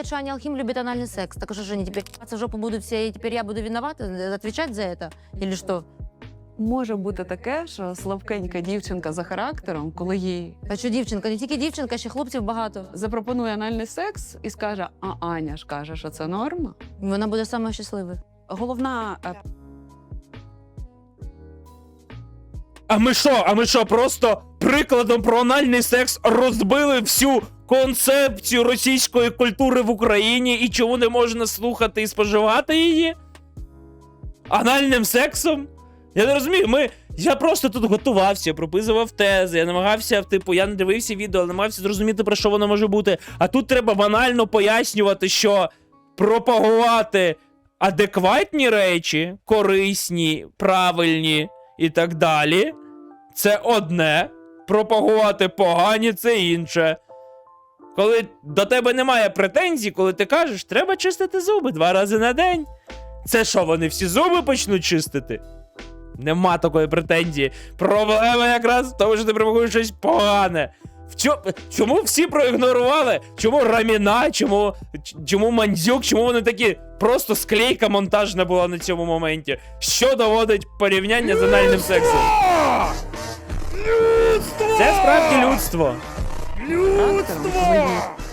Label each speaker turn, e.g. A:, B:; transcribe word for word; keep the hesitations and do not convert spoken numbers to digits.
A: говорят, что Аня Алхим любит анальный секс. Так что же они теперь в жопу будут все, и теперь я буду виновата, отвечать за это? Или что?
B: Може бути таке, що слабкенька дівчинка за характером, коли їй
A: А що дівчинка? Не тільки дівчинка, ще хлопців багато.
B: запропонує анальний секс і скаже, а Аня ж каже, що це норма.
A: Вона буде саме щаслива.
B: Головна е,
C: А ми що? А ми що, просто прикладом про анальний секс розбили всю концепцію російської культури в Україні і чому не можна слухати і споживати її? Анальним сексом? Я не розумію, ми... Я просто тут готувався, прописував тези, я намагався, типу, я не дивився відео, але намагався зрозуміти, про що воно може бути. А тут треба банально пояснювати, що пропагувати адекватні речі, корисні, правильні і так далі, це одне. Пропагувати погані – це інше. Коли до тебе немає претензій, коли ти кажеш, треба чистити зуби два рази на день. Це що, вони всі зуби почнуть чистити? Нема такої претензії. Проблема якраз в тому, що ти пропагуєш щось погане. В чо... Чому всі проігнорували? Чому Раміна, чому... чому Мандзюк, чому вони такі... Просто склейка монтажна була на цьому моменті. Що доводить порівняння з анальним сексом?
D: Людство!
C: Це справді людство.
B: характером, коли їй